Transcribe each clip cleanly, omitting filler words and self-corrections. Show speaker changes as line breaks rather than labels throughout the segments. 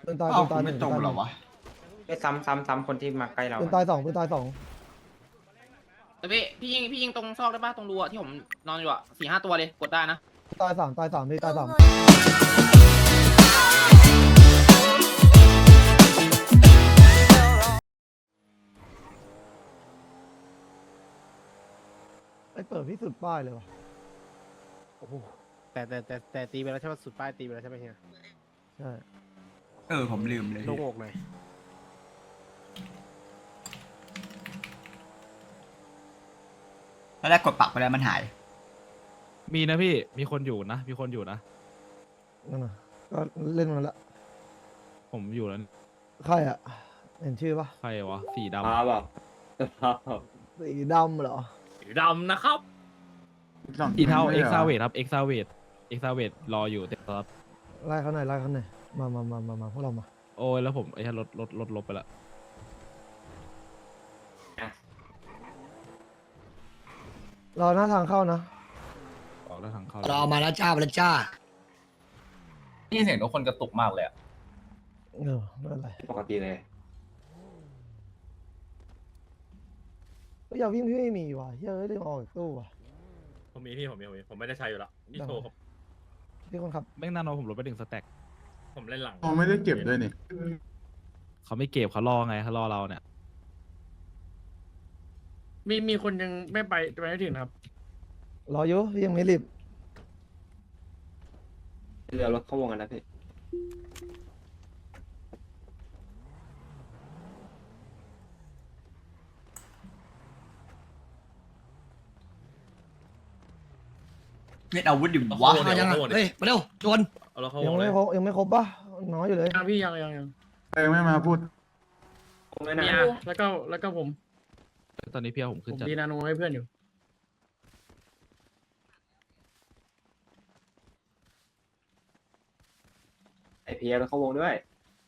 ปืนตาย
เอ้า
ปืนตาย
ไม่ตรงเหรอวะ
ไปซ้ำคนที่มาใกล้เรา
ปืนตายสองปืนตายสอง
แต่พี่ยิงตรงซอกได้ป่ะตรงรูอะที่ผมนอนอยู่อะ4-5ตัวเลยกดได้นะ
ตายสามพี่ตายสามไอ้เปิดที่สุดป้ายเลยวะ
โอ้โหแต่ตีไปแล้วใช่ไหมสุดป้ายตีไปแล้วใช่ไหมเฮีย
ใช่
ผมลืมเลย
โล่งอกหน่อย
แล้วแรกกดปักไปแล้วมันหาย
มีนะพี่มีคนอยู่นะมีคนอยู่นะ
นั่นน่ะก็เล่นมันละ
ผมอยู่แล้ว
ใครอ่ะเห็นชื่อปะ
ใครวะสีดำ
แบบ
สีดำเหรอ
สีดำนะครับสีเทาเอ็กซาเวทครับเอ็กซาเวทรออยู่เต็มครับ
ไล่เขาหน่อยมาพวกเรามา
โอ้ยแล้วผมไอ้รถลบไปละ
รอหน้าทางเข้านะ
ออกแล้วทางเข้า
เรามาแล้วจ้ามาแล้วจ้า
นี่เสียงทุกคนกระตุกมากเลยอะ
ไม่เป็นไร
ปกติเลย
ก็อย่าวิ่งพี่ไม่มีว่ะเฮ้ยเรื่องออกจากตู้ว่ะ
ผมมีพี่ผมไม่ได้ใช้อยู่ละนี่โชว์ครับ
พี่คนขับ
แม่งนาโนผมลดไป1 สแต็กผมเล่นหลัง
อ๋อไม่ได้เก็บด้วยนี่
เขาไม่เก็บเขารอไงเขารอเราเนี่ย
มีคนยังไม่ไปไม่ถึงครับ
รออยู่พี่ยังไม่รีบ
เรือรถเข้าวงกันนะพี่
เม็ดอาวุธดิวะ
มายังอ่ะเฮ้ยมาเร็วชวน
เอาแล้วเขา
ยังไม่ครบปะน้อยอยู่เลย
ยังพี่ยัง
เองไม่มาพูด
คงไม่นา
พี่
น
อาแล้วก็ผม
ตอนนี้พี่เอาผมขึ้นจัด
ดีนาโนให้เพื่อนอยู่
ไอพีเอรถเข้าวงด้วย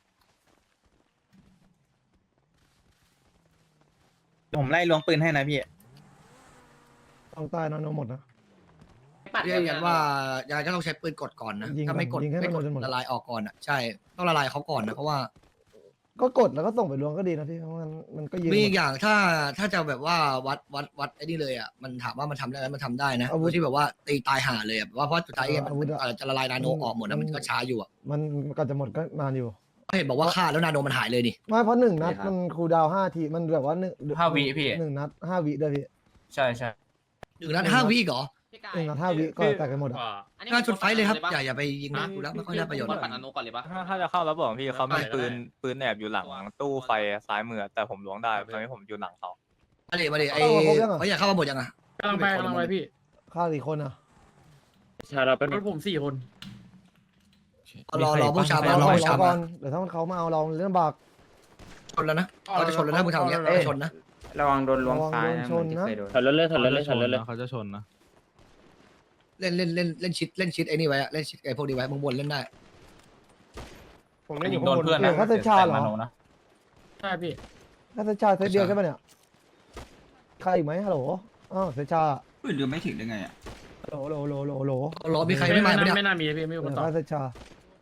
ผมไล่ล้วงปืนให้นะพี่
ต้องใต้นอนหมดนะ
เรียกกันว่ายังจะต้องใช้ปืนกดก่อนนะ
ยิงก่อน
ถ้าไม่กด
ยิงให้
ไม่กด
มันโดนหมด
ละลายออกก่อนอ่ะใช่ต้องละลายเขาก่อนนะเพราะว่า
ก็กดแล้วก็ส่งไปรวมก็ดีนะพี่เพราะมันก็ยืน
มีอีกอย่างถ้าจะแบบว่าวัดไอ้นี่เลยอ่ะมันถามว่ามันทำได้ไหมมันทำได้นะ
อาวุธ
ที่แบบว่าตีตายห่าเลยอ่ะว่าเพราะสุดท้าย
อาวุธอะ
มันจะละลายนาโนออกหมดนะมันก็ช้าอยู่อ่ะ
มันก่อนจะหมดก็นานอยู่
เห็นบอกว่าฆ่าแล้วนาโนมันหายเลยนี่
ไม่เพราะ1 นัดมันคูลดาวน์5 ทีมันแบบว่า
5 วิพี่
1 นัด 5 วิด้วยพี่
ใช่ใช่
1 นัด 5 วิเหรอ
พี่กาย
1 นัด 5 วิก็แตกกันหมดอ่ะ
อันนี้
น่าจุดไฟเลยครับ
ปะ
อย่าไปยิงดูแล้วไม่ค่อยได้ประโยชน์
บอลปั่นอนุก่อนเลยปะ
ถ้าจะเข้าแล้วบอกพี่เขามีปืนแอบอยู่หลังตู้ไฟซ้ายมือแต่ผมล้วงได้ตอนนี้ผมอยู่หลังเขา
มาดิไอ้เขาอยากเข้ามาหมดยังอ่ะ
กำลังไปพี่
ฆ่ากี่คนอ่ะ
ชาเราเป็น
รถผม4 คน
รอพวกชาว
ร
บ้านรอ
อ
พวกชาว
ก่
บ้า
อน นเดี๋ยวถ้าเขามาเอาเราเรื่องบาก
ชนแล้วนะเขาจะชนแล้วนะพวกชาวเนี้ยชนนะ
ระวังโดนล้วงซ้ายนะ
ชนนะ
ถอยรถเลย
เขาจะชนนะ
เล่นชิดไอ้นี่ไว้อะเล่นชิดไอ้พวกนี้ไว้บางบนเล่นได้
ผมเล่นอยู่
โด
ข้าง
น
บน
เพื่อนนะ
เขาจะชาเหรอ
แต่มโนนะ
ใช่พี่
น่าจะชาเซตเดียวใช่ปะเนี่ยใครอีกไหมฮัลโหลเซตชา
ปืนเดือไม่ถึงได้ไงอ่ะ
โหล
รอมีใครไม่มาเนี่ย
ไม่น่ามีพี่ไม่มีคนตอบ
ฆ่าเซตชา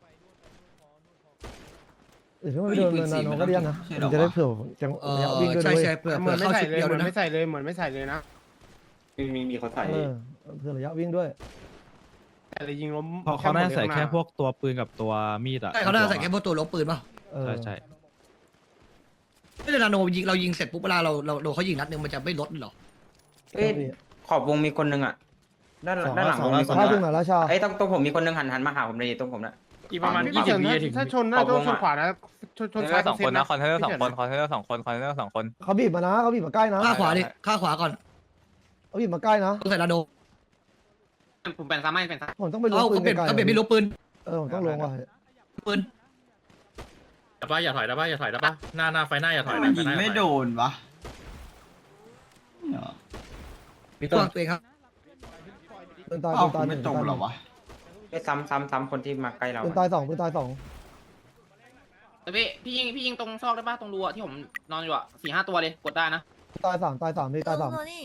เดี๋ยวไม่โดนนาโนก็เรียกนะมันจะได้เผื่อจังระยะวิ่งด้วย
ใช่
ด้วย
ใช่เผื่อ
เหมือนไม่
เข้า
ใส่
ชิด
เลย
เดียว
เหมื
ด้
อ
วย
น
นะ
ไม่ใส่เลยเหมือนไม่ใส่เลยนะ
มีเขาใส่
เผื่อระยะวิ่งด้วย
แต่เลยยิงล้ม
เพราะเขาน่าจะใส่แค่พวกตัวปืนกับตัวมีดอะ
ใช่เขาน่าจะใส่แค่พวกตัวลบปืนป่ะ
ใช่
ไม่ได้นาโนยิงเรายิงเสร็จปุ๊บเวลาเราเขายิงนัดนึงมันจะไม่ลดหรอ
เอ้ยขอบวงมีคนนึงอ่ะด้านหลังวงมีคน
ชา
นึ
ถึง
ง
ไหนแล้วชา
ไอ้ต้องผมมีคนนึงหันมาหาผมเลยตรงผมนะ
อีกประมาณ
พี่เฉิน
20 วิถึงถ้าชนน่าจะชนขวานะชน
คอนเทน
ซ้า
เนอย ร์สองคนนะคอนเทนเนอร์
พี่
2 คนคอนเทนเนอร์2 คนคอนเทนเนอร์2 คน
เขาบีบมานะเขาบีบมาใกล้นะ
ฆ่าขวาดิฆ่าขวาก่อน
เขาบีบมาใกล้นะ
ต้องใส่นาโน
ผมแปลนซ้ำให้เป็นซ้ำ
ผมต้องไปลง
เอา
ปื
เขา
น
เปลี่ยน
ไกล
เขาเปลี่ยนไม่ลบปืน
ผมต้องลงว่ะ
ปืน
อย่าถอยได้ปะหน้าไฟหน้าอย่าถอย
มันยิงไม่โดนวะ
ตัวเองครับ
ปืนตาย
เอ้า
ปืนตาย
ไม่ตรงเหรอวะ
ไปซ้ำคนที่มาใกล้เรา
ปืนตาย2ปืนตาย2
แต่พี่ยิงตรงซอกได้ป่ะตรงรูอะที่ผมนอนอยู่อะ4-5ตัวเลยกดได้นะ
ตาย3พี่ตาย3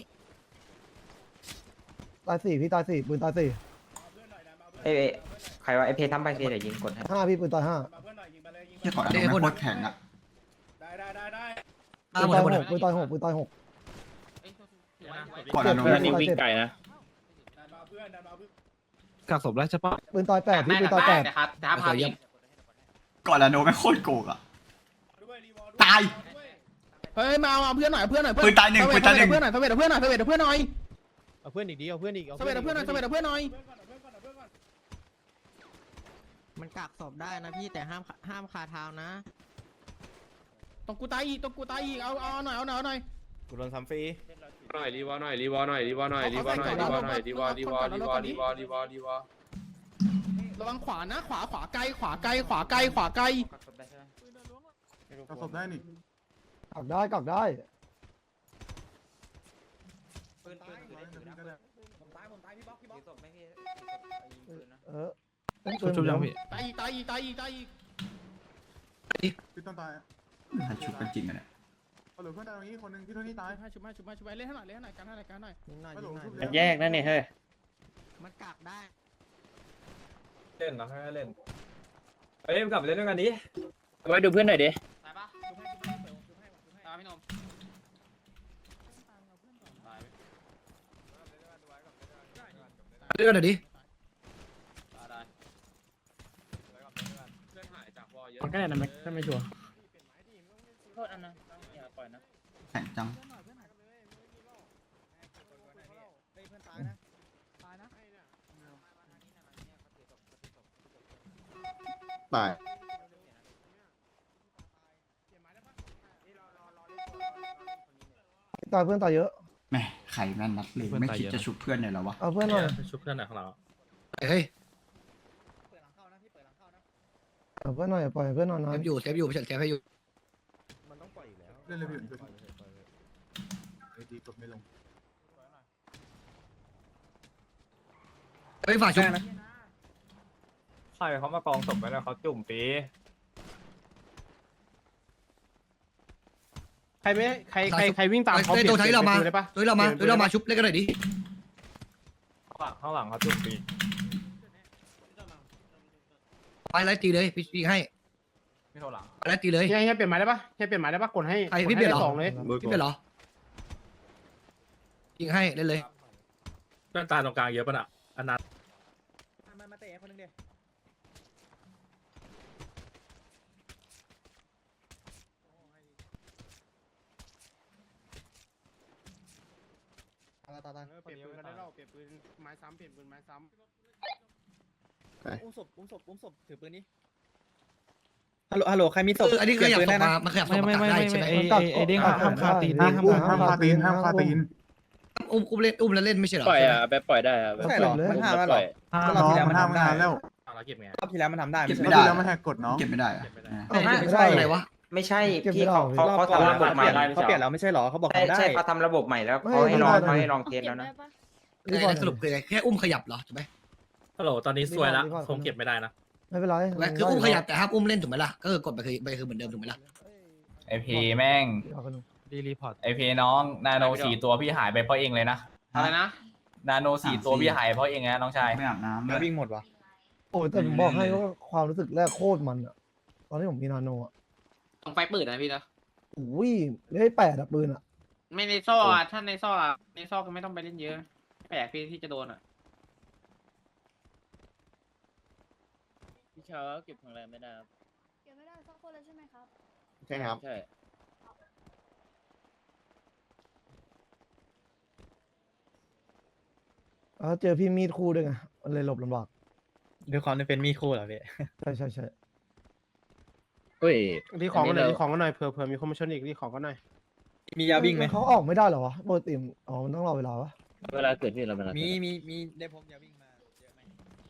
ตาย4พี่ตาย4ปืนตาย4
เอ้ยใครว่าไอเพทำไปเพเดี๋ยวยิงกดให้
5พี่ปืนตาย5
เที่ยก่อนอะโคตรแข็งอะ
ปืน
หมด
ตาย
หมด
หกปืนตายหกปืนตายหก
เอ้ยถือว่า
ก่อนอะโน
เจ็บ
ไม่
วิ่งไกลนะ
กักศพแล้วใช่ปะ
ปืนตายแปดพี่ปืนตายแปด
นะครับแต่ถ้าพายิง
ก่อนอะโนไม่งโคตรโกงอะตาย
เฮ้ยมาเอาเพื่อนหน่อยเพื่อนหน่อย
ปืนตายหนึ่งปืนตายหนึ่ง
เพื่อนหน่อยเพื่อนหน่อยเพื่อนหน่อยเพื่อนหน่อย
เอาเพื่อนอีกดีเอาเพื่อนอีก
เพื่อนหน่อยเพื่อนหน่อยเพื่อนหน่อย
มันกักศพได้นะพี่แต่ห้ามคาเท้านะ
ต้องกูตายอีกต้องกูตายอีกเอาหน่อยเอาหน่อยเอาหน่อย
กูโดนทำฟรี
หน่อยรีวอหน่อยรีวอหน่อยรีวอหน่อยรีวอหน่อยรีวอหน่อยรีวอรีวอรีวอรีวอรีวอรีวอระวังขวานะขวาไกลขวาไกลขวาไกลขวาไกล
กระสบได้นี่
กักได้กักได้ เออ
ชุบยังพี่
ตายอีกตายอีกตายอีกตายอีก
พี่ต้นตายอะ
หันชุบกันจริงอะเนี่ย
เอาเหลือเพื่อนตายตรงนี้คนหนึงที่โทนี่ตาย
ชุบมาเล่นให้หน่อยเล่นให้หน่อยกันให้หน่อยกันหน่อย
ยิงหน่อย
ฮัลโหล
ยิงหน่อย
ชุบแล้ว
แยกนั่นนี่เฮ้ย
มันกักได้
เล่นนะให้เล่นเอ้ยกลับไปเล่นด้วยกันดิ
ไว้ดูเพื่อนหน่อยดิ
ตายปะตายพี่นม
เรื่องหน่อยดิ
มันก็ได้นะแม็กถ้าไม่ชัวร์
โทษอันนะอย่าปล่อยนะ
แข็งจัง
ตาย
ตายเพื่อนตายเยอะ
แหม่ไข่แม่นนัดเลยไม่คิดจะชุบเพื่อนเลยเหรอวะ
เอาเพื่อนหน่อย
ชุบเพื่อนหน่อยของเรา
เฮ้ย
เอาเพื่อนหน่อยปล่อยเพื่อนนอน
เซ
นอน
ฟอยู่เซฟอยู่เซฟให้อยู่
เล่นเลยพี่อื่นไอ้ดีกดไม่ลง
เฮ้ยฝากชุบ
ใครเขามากองศพไว้แล้วเขาจุ่มปี
ใครไม่ใครวิ่งตามเขา
ตัวท้ายเรามา
ได้ปะ
ตัวเรามาตัวเรามาชุบเล่นกันหน่อยดิ
ข้างหลังเขาจุ่มปี
ไปไล่ตีเลยพี่ยิงให้
ไม่โทรหลัง
ไปไล่ตีเลย
เฮียเปลี่ยนหมายได้ปะเฮียเปลี่ยนหมายได้ปะกดให้
ใครพี่เปลี่ยนเหรอ
สองเลย
พี่เป็นเหรอยิงให้เล่นเลย
เพื่อนตายตรงกลางเยอะป่ะน่ะอันนั้น
มาเตะคนนึงเดียว
เปลี่ยนปืนกันได้แล้วเปลี่ยนปืนไม้ซ้ำเปลี่ยนปืนไม้ซ้
อุ้มศพถือปืนนี้ฮัลโหลใครมีศพ
อันนี้ขยับศพมามันขยับศพ
ไม่
มา
ไม่
กัด
ไม่
ได้
ไม่
ใช่ไหม
ไอเด้งห้ามคาตีนนะห้าม
ห้ามคาตีนห้ามคาตีน
อุ้มเล่นอุ้มแล้วเล่นไม่ใช่เหรอ
ปล่อยอ่ะแบบปล่อยได้อ่ะ
ใช่หรอมันห้ามแล้วหรอ
ห้าม
น้องมันห้ามนานแล้ว
เราเก็บไง
รอบที่แล้วมันทำได้
เก็บ
รอ
ไม่
บ
ได้
ที่แล้วไม่ให้กดน้อง
เก็บไม่ได้อะ
ไม่ได้
อะไรวะ
ไม่ใช่
เก็บไม่
พี่
ได้
เขาทำระบบใหม่
เขาเปลี่ยนแล้วไม่ใช่หรอเขาบอก
ใช่
ทำได้
ใช่เขาทำระบบใหม่แล้วเขาให้ลองเทสแล้วนะ
สรุปคือไงแค่อุ้มขยับเหรอถูกไหม
ฮัลโหลตอนนี้ซวยละคงเก็บไม่ได้นะ
ไม่เป็นไร
คืออุ้มขยับแต่ห้ามอุ้มเล่นถูกไหมล่ะก็คือกดไปคือเหมือนเดิมถูกไหมล่ะ
ไอพีแม่ง
ดีรีพอร์ต
ไอพีน้องนาโน4 ตัวพี่หายไปเพราะเองเลยนะ
อะไรนะ
นาโน4 ตัวพี่หายเพราะเองนะน้องชาย
ไม่อาบน้ำเลย
วิ่งหมดวะ
โอ้แต่ผมบอกให้ว่าความรู้สึกแรกโคตรมันอะตอนที่ผมมีนาโนอะ
ต้องไฟปืนนะพี่นะ
อุ้ยไม่ได้แปดอะปืนอะ
ไม่ในซ่ออ่ะถ้าในซ่ออ่ะในซ่อก็ไม่ต้องไปเล่นเยอะแปลกพี่ที่จะโดนอ่ะ
พี่เช้าเก็บของแรงไม่ได้ครับ
เก็บไม่ได้สักคนเลยใช่ไหมครับ
ใช่ครับ
ใช่
แล้วเจอพี่มีดคู่ด้วยไงมันเลยหลบลำบาก
ด้วยความที่เป็นมีคู่เหรอพี่
ใช่ใช่ใช่
เฮ้ย
รีของกันหน่อยรีของกันหน่อยเผื่อมีคนมาชนอีกรีของกันหน่อย
มียาวิ่งไหม
เขาออกไม่ได้เหรอวะปกติอ๋อมันต้องรอเวลาวะ
เวลาเกิดพี่เราเวลา
มีได้พบยาวิ่งมาเยอะไหม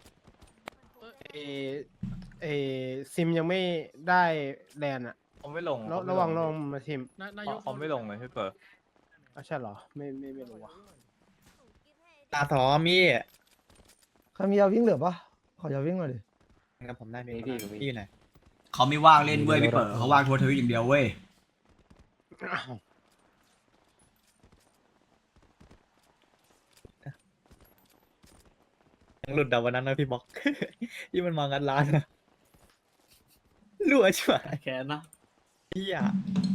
เอซิมยังไม่ได้แลนด์อ่ะ
ผมไม่ลง
ระวังมาซิม
ผมไม่ลงเลยพี่เปิด
ใช่เหรอไม่รู้ว่ะ
ตาสอมี
ใครมียาวิ่งเหลือปะขอยาวิ่งหน่อยดิ
กับผมได้ไหมพี่อยู่ไหน
เขาไม่ว่างเล่นเว้ยพี่เปิดเขาว่างทัวร์ทวิตอย่างเดียวเว้ย
ยังหลุดดาวันนั้นนะพี่บอก ที่มันมางัดร้านนะรัวชัว
แค้นนะ
พี่อ่ะ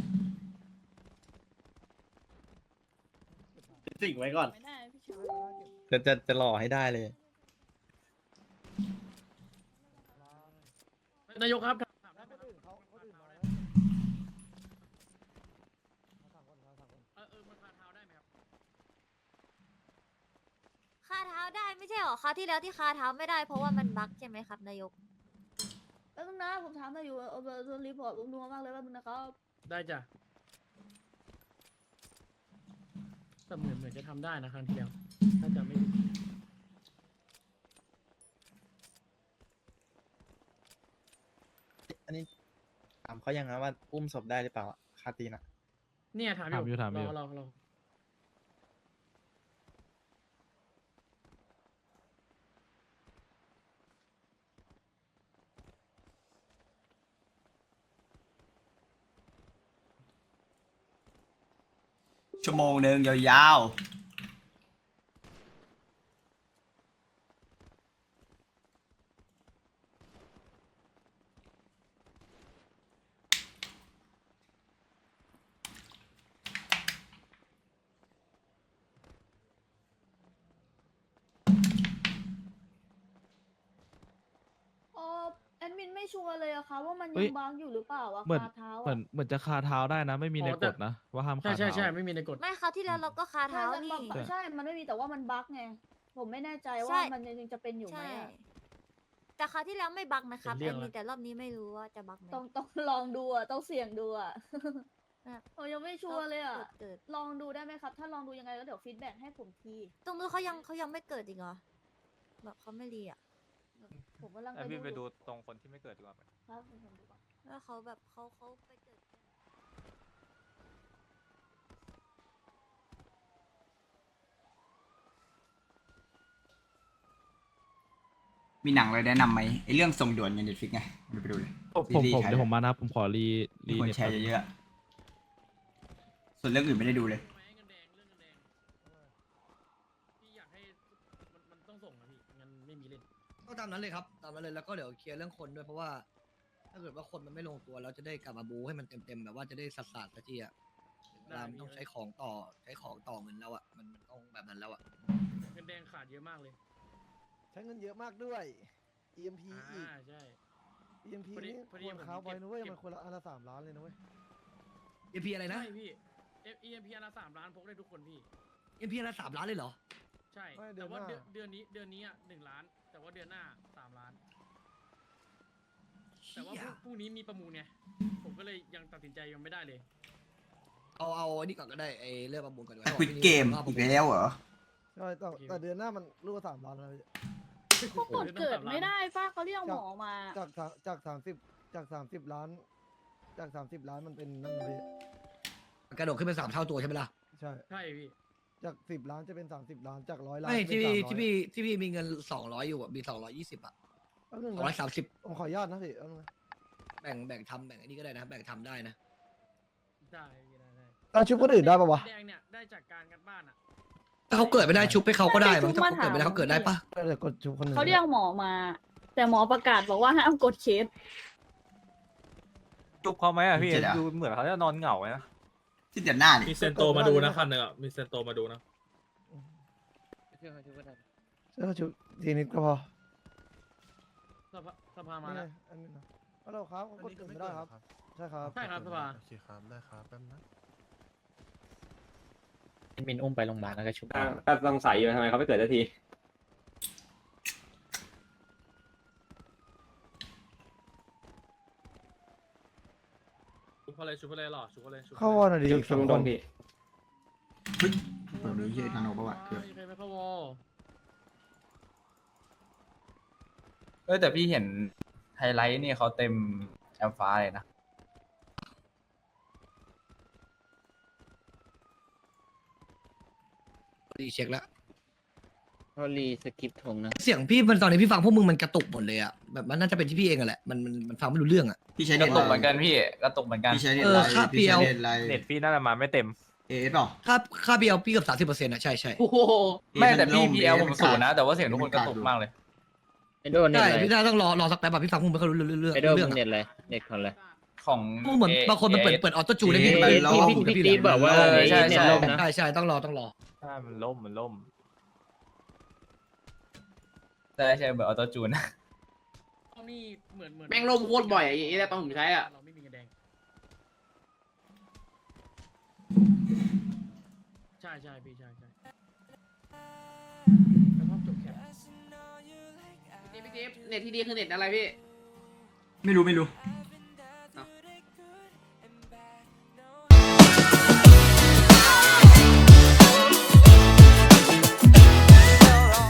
สิ่งไว้ก่อน
ไม่ได้พี่ชาย
จะหล่อให้ได้เลย
นายกครับ
คาเท้าได้ไม่ใช่หรอคราวที่แล้วที่คาเท้าไม่ได้เพราะว่ามันบั๊กใช่ไหมครับนายกแล้วนึงนะผมถามนายอยู่เอารีพอร์ตผมนัวมากเลยว่ามึงนะครับ
ได้จ้ะแต่เหมือนจะทำได้นะครั้งที่แล้วถ้าจะไม่
อันนี้ถามเขายังนะว่าอุ้มศพได้หรือเปล่าอะคาตีนอะ
เนี่ยถามอยู่รอ
ชั่วโมงหนึ่งยาว
แอดมินไม่ชัวร์เลยอะค่ะว่ามันยังบั๊กอยู่หรือเปล่าอะ
เหมือน
คาเท้า
เหมือนจะคาเท้าได้นะ ไม่มีในกฎนะ ว่าห้ามคาเท้าใช่ไม่มีในกฎ
ไม่คราวที่แล้วเราก็คาเท้านี่ใช่มันไม่มีแต่ว่ามันบั๊กไงผมไม่แน่ใจว่ามันยังจะเป็นอยู่ไหมแต่คราวที่แล้วไม่บั๊กนะครับแอดมินแต่รอบนี้ไม่รู้ว่าจะบั๊กไหมต้องลองดูอะต้องเสี่ยงดูอะผมยังไม่ชัวร์เลยอะลองดูได้ไหมครับถ้าลองดูยังไงแล้วเดี๋ยวฟีดแบ็กให้ผมทีตรงนู้นเขายังไม่เกิดอีกเหรอแบบเขาไม่รีอะผมกำลัง
ไอพี่ไปดูตรงคนที่ไม่เกิดดีกว่าไหม
ครับผมดูก่อนแล้วเขาแบบเขาไปเกิด
ๆมีหนังอะไรแนะนำไหมไอเรื่องส่งด่วนในเน็ตฟิกไงไปดูเลย
ผมเดี๋ยวผมมานะผมขอรี
มีคนแชร์เยอะๆส่วนเรื่องอื่นไม่ได้ดูเลย
พี่อยากให้มันต้องส่งนะพี่งั้นไม่มีเล่น
ก็ตามนั้นเลยครับตามนั้นเลยแล้วก็เดี๋ยวเคลียร์เรื่องคนด้วยเพราะว่า ถ้าเกิดว่าคนมันไม่ลงตัวเราจะได้กลับมาบูให้มันเต็มๆแบบว่าจะได้สัดสักทีอะถึงเวลามันต้องใช้ของต่อเงินแล้วอะมันต้องแบบนั้นแล้วอะ
เงินแดงขาดเยอะมากเลย
ใช้เงินเยอะมากด้วย EMP อีก
ใช่
EMP
พอดี
นี่
พอดี
ควร
ผม
ค้าไว้นะเว้ย
เก็บ
มันคนละอันละ3 ล้านเลยนะเว้ย
EP อะไรนะ
ใช่พี่ EMP อันละ3 ล้านพกได้ทุกคนพี่
EP ละ3 ล้านเลยเหรอ
ใช่
ไม่เดื
แต่
อน
ว่า
หน้า
เดือนนี้อ่ะ1 ล้าน แต่ว่าเดือนหน้า3 ล้าน แต่ว่าพรุ่งนี้มีประมูลไงผมก็เลยยังตัดสินใจยังไม่ได้เลย
เอาอันนี้ก่อนก็ได้ไอ้เรื่องประมูลก่อนดีก
แต่
ว่า
ควิดเกมอีกแล้วเหรอ
ใช่แต่เดือนหน้ามันรูป3 ล้านแล้วพี่
เขากดเกิดไม่ได้ป้าเขาเรียกหมอมา
จาก30 ล้านจาก30 ล้านมันเป็นนั่นนะพี่
กระโดดขึ้นเป็น3 เท่าตัวใช่ไหมล่ะ
ใช่
ใช่พี่
จาก10 ล้านจะเป็น30 ล้านจาก100 ล้าน
ไม่
จะเป็
ที่
น
พี่มีเงิน200อยู่อะมี220อะ
300แป๊บนึงนะ
230
ผมขออนุญาตนะพี่แป๊บนึงนะ
แบ่งทำแบ่งอันนี้ก็ได้นะแบ่งทำได้นะ
ได้พี่ได้
เอาชุบคนอื่นได้ปะวะ
แดงเนี่ยได้จากการกันบ้านอ่ะ
ถ้าเขาเกิดไม่ได้ชุบให้เขาก็ได้มั้งถ้าเขาเกิดไม่ได้เขาเกิดได้ปะ
เดี๋ยวกดชุบคนอื่น
เขาเรียกหมอมา แต่หมอประกาศบอกว่าห้ามกดเคส
จุบเขาไหมอะพี่
เจ็ดอะ
ดูเหมือนเขาจะนอนเหงานะ
ที่เดือนหน้านี่
มีเซนโตมาดูนะคันหนึ่งอ่ะมีเซนโตมาดูนะ
เสื้อชุบทีนิดก็พอ
สภามา
นี่ไง
แล้ว
อันนี้นะฮัลโหลครับกดอื่นไม่ได้ครับ ใช่ครับ
ใช่ครับสภา
โอเคครับได้ครับแป๊บนะ
มินอุ้มไปโรงพยาบาลแล้วก็ชุบ
ก็สงสัยอยู่ทำไมเขาไม่เกิดสักที
ชุบเขาเลยชุบเขาเลยหรอชุบเขาเลย
เข้าวอนหน่อยดิอีก
ชุ
2
บ
ค
โด
น
นพี่
เฮ้ยเปิดนี้เฮียนาโนประวัติเกือบ
ใครไม่เข้าวอ
แต่พี่เห็นไฮไลท์นี่เขาเต็มแอมฟ้าเลยนะ
รีเช็คแล้ว
เขารีสคริปต์ทงนะ
เสียงพี่มันตอนนี้พี่ฟังพวกมึงมันกระตุกหมดเลยอะแบบมันน่าจะเป็นที่พี่เองอะแหละมันฟังไม่รู้เรื่องอะ
พี่ใช้
ก
เน็
ระ
ต
ตุกเห
ไล
มือนกัน
น์
พี่กระตุกเหมือนกัน
พี่ใช้เน็ตไลน์
ค่า
พี่ใช้
PL
เน็ตไลน์
เน็ตพี่น่าจะมาไม่เต็ม
เอสเปล่า
ค่าพี่เอาพี่เกือบ30%อะใช่
โอ้โห
ไม่แต่พี่
เอ
พีเอล
มั
ผม
น
ศูนย์นะ
ขาด
แต่ว่าเสียงทุกคนกระตุกมากเลย
ไอ
โดนเน็ต
ใช่
เลย
พี่ได้ต้องรอสักแป๊บแบบพี่ฟังผมไม่ค่อยรู้เรื่อง
ไอโดน
เรื่อง
เน็ตเลยเน็ตคนเลย
ของ
เหมือนบางคนมันเปิดออโต้จูนได้พี่
พี่ตีบอกว่า
ใช่
เน็ตล่มนะ
ใช่ต้องรอ
ใช่มันล่มใช่เบอร์ออโต้จูน
นี่เหมือน
แม่งล่มโคตรบ่อยไอ้ตอนผมใช้อ่ะ
เราไม่มีเงินแดงใช่พี่ใช่แล้วพอจบแคป
พี่จิ๊บเน็ตที่ดีคือเน็ตอะไรพี่
ไม่รู้